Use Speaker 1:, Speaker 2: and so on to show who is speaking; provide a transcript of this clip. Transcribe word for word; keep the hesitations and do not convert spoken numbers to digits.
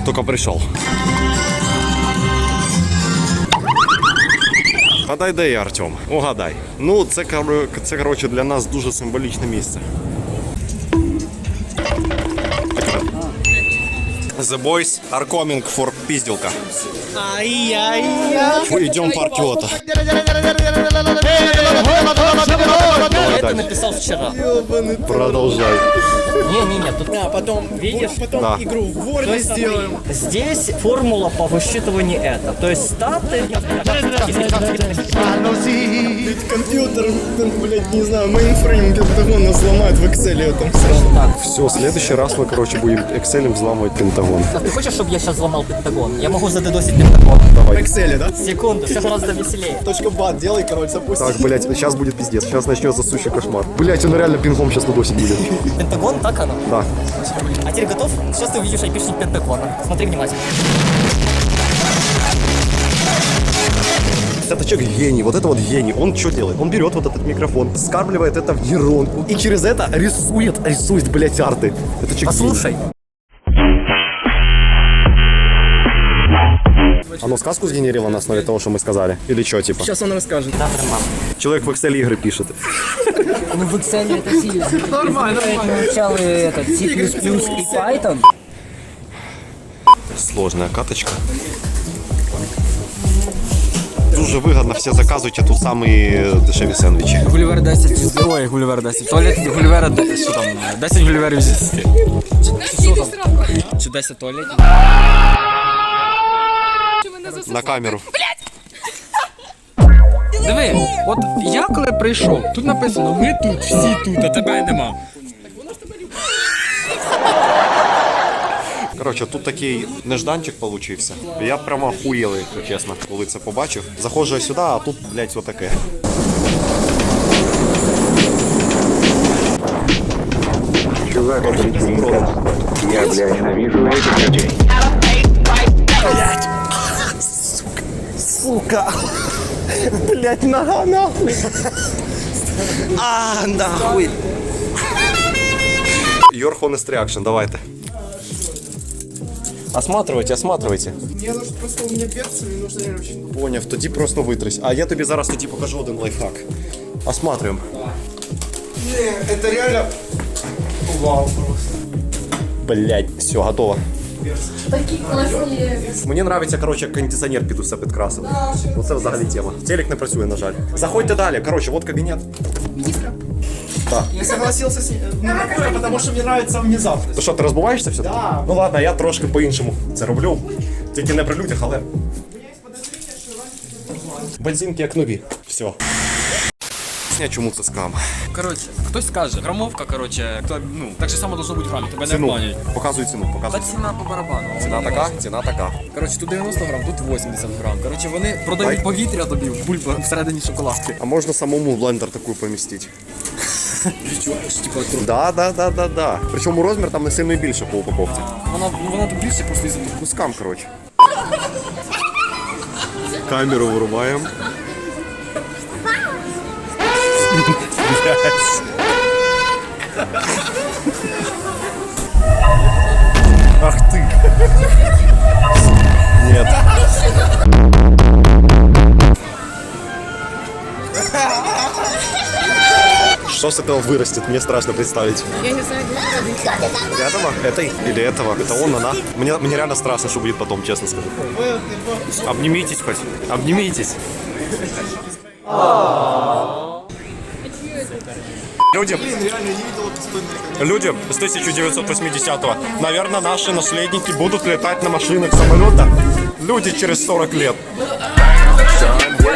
Speaker 1: только пришел. Гадай, де я, Артем? Угадай. Ну, це, це, коротше, для нас дуже символічне місце. The boys are coming for пиздилка.
Speaker 2: Ай-яй-яй.
Speaker 1: Идем по Аркиота.
Speaker 3: Это написал вчера.
Speaker 1: Продолжай.
Speaker 3: Не-не-не, тут
Speaker 2: А потом,
Speaker 3: видишь?
Speaker 2: потом
Speaker 1: Да.
Speaker 2: игру в Word сделаем.
Speaker 3: Здесь формула по высчитыванию это. То есть статы...
Speaker 2: Компьютер, блядь, не знаю, мейнфрейм Пентагона сломает в Excel там сразу.
Speaker 3: Так,
Speaker 1: Все, в следующий раз мы, короче, будем Excel взламывать Пентагон.
Speaker 3: а ты хочешь, чтобы я сейчас взломал Пентагон? Я могу задедосить Пентагон.
Speaker 2: В
Speaker 1: Давай.
Speaker 2: Excel, да?
Speaker 3: Секунду, все гораздо веселее.
Speaker 2: Точка бат делай, короче, запусти.
Speaker 1: Так, блядь, сейчас будет пиздец. Сейчас начнется сущий кошмар. Блядь, он реально пингом сейчас надосить будет.
Speaker 3: Пентагон, так оно?
Speaker 1: Да.
Speaker 3: А теперь готов? Сейчас ты увидишь айпишник Пентагона. Смотри внимательно.
Speaker 1: Это человек гений, вот это вот гений. Он что делает? Он берет вот этот микрофон, скармливает это в нейронку и через это рисует, рисует, блядь, арты. Это человек
Speaker 3: Послушай.
Speaker 1: гений. Оно сказку сгенерило на основе того, что мы сказали? Или что, типа?
Speaker 2: Сейчас он расскажет.
Speaker 3: Да, мам.
Speaker 1: Человек в Excel игры пишет.
Speaker 3: Ну в Excel это сильно. Нормально, нормально. Сначала этот C++ и Python.
Speaker 1: Сложная каточка. Дуже вигідно, всі заказуйте тут самі дешеві сендвічі.
Speaker 4: Гулівер десять, ой, Гулівер десять. Туалет Гулівера, що там, десять Гуліверів зі десяти. Що там? Чи десять туалетів?
Speaker 1: На камеру.
Speaker 4: Диви, от я коли прийшов, тут написано, ми тут, всі тут, а тебе нема.
Speaker 1: Коротше, тут такий нежданчик получився. Я прямо охуєлий, якщо чесно, коли це побачив. Заходжу я сюди, а тут, блядь, отаке.
Speaker 5: Чувак, я, бля, ненавижу этих людей.
Speaker 1: Сука! Блядь, нога, нахуй! А, нахуй! Your honest reaction, давайте. Осматривайте, осматривайте.
Speaker 2: Мне нужно просто, у меня перцы, мне нужно реально очень...
Speaker 1: Поняв, тоді просто витрись. А я тобі зараз тоді покажу один лайфхак. Осматриваем.
Speaker 2: Не, это реально... Вау просто.
Speaker 1: Блять, все, готово.
Speaker 6: Такі класні.
Speaker 1: Мені подобається, коротше, кондиціонер під усе підкрасив. Оце взагалі тема. Телек не працює, на жаль. Заходьте далі. Коротше, вот кабінет.
Speaker 2: Я согласился с ним, ну, потому что мне нравится внезапность.
Speaker 1: То що, ти розбуваєшся все?
Speaker 2: Да.
Speaker 1: Ну ладно, я трошки по-іншому це роблю. Тільки не при людях, але... Бензинки як нові. Все. Чому це скам?
Speaker 4: Коротше, хтось скаже, грамовка, коротше, хто, ну, так же само должно бути в грамі, тебе не
Speaker 1: Ціну.
Speaker 4: обманюють.
Speaker 1: Показуй ціну,
Speaker 4: Та
Speaker 1: показуй.
Speaker 4: ціна по барабану.
Speaker 1: Ціна така, ціна така.
Speaker 4: Коротше, тут дев'яносто грам, тут вісімдесят грам. Коротше, вони продають
Speaker 1: Ай.
Speaker 4: повітря тобі в бульбу всередині шоколадки.
Speaker 1: А можна самому в блендер таку помістити?
Speaker 4: Відчуваєш, типу, тру.
Speaker 1: Да, да, да, да, да. Причому розмір там не сильно більше по упаковці.
Speaker 4: Вона, ну, вона тут більше просто із-за того.
Speaker 1: Ну скам, коротше. Камеру вирубаємо. Ах ты! Нет. Что с этого вырастет? Мне страшно представить.
Speaker 6: Я не знаю, де
Speaker 1: Этого? Этой? Или этого? Это он, она? Мне, мне реально страшно, что будет потом, честно скажу. Обнимитесь хоть. Обнимитесь. Люди, люди с тысяча девятьсот восьмидесятого, наверное, наши наследники будут летать на машинах, самолетах. Люди через сорок лет.